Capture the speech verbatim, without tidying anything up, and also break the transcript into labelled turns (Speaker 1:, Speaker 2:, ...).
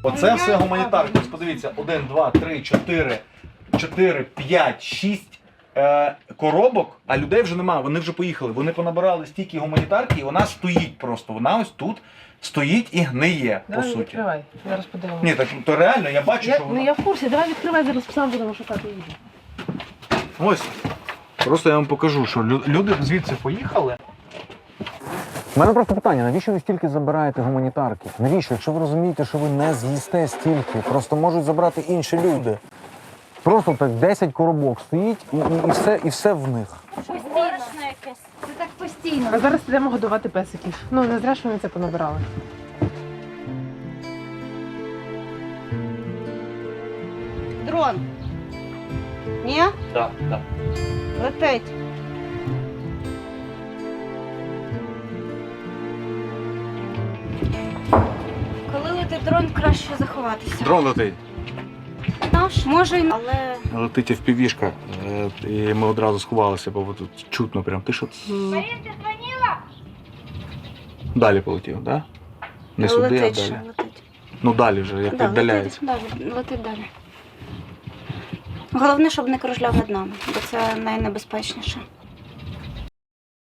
Speaker 1: Оце все гуманітарки. Ось подивіться, один, два, три, чотири, чотири, п'ять, шість е, коробок, а людей вже немає, вони вже поїхали. Вони понабирали стільки гуманітарки, і вона стоїть просто. Вона ось тут стоїть і гниє,
Speaker 2: Давай
Speaker 1: по суті.
Speaker 2: відкривай, зараз подивимося.
Speaker 1: Ні, так то реально, я бачу,
Speaker 2: Я,
Speaker 1: що
Speaker 2: ну
Speaker 1: вона...
Speaker 2: я в курсі, давай відкривай, зараз сам будемо шукати їжу.
Speaker 1: Ось. Просто я вам покажу, що лю- люди звідси поїхали. У мене просто питання, навіщо ви стільки забираєте гуманітарки? Навіщо? Якщо ви розумієте, що ви не з'їсте стільки, просто можуть забрати інші люди. Просто так десять коробок стоїть і, і, і, все, і все в них.
Speaker 3: Постійно якесь. Це так постійно.
Speaker 2: А зараз підемо годувати песиків. Ну, не зря, що вони це понабирали.
Speaker 3: Дрон. Ні?
Speaker 1: Так, так.
Speaker 3: Летить. Коли летить дрон, краще заховатися.
Speaker 1: Дрон летить.
Speaker 3: Наш, може, й- але
Speaker 1: Летить в півішка, і ми одразу сховалися, бо тут чутно прям. Ти що? Далі полетів, так? Да? Не сюди,
Speaker 3: летить
Speaker 1: а
Speaker 3: ще,
Speaker 1: далі.
Speaker 3: летить.
Speaker 1: Ну далі вже, як
Speaker 3: Да,
Speaker 1: віддаляється.
Speaker 3: летить, да, летить далі. Головне, щоб не кружляв над нами, бо це найнебезпечніше.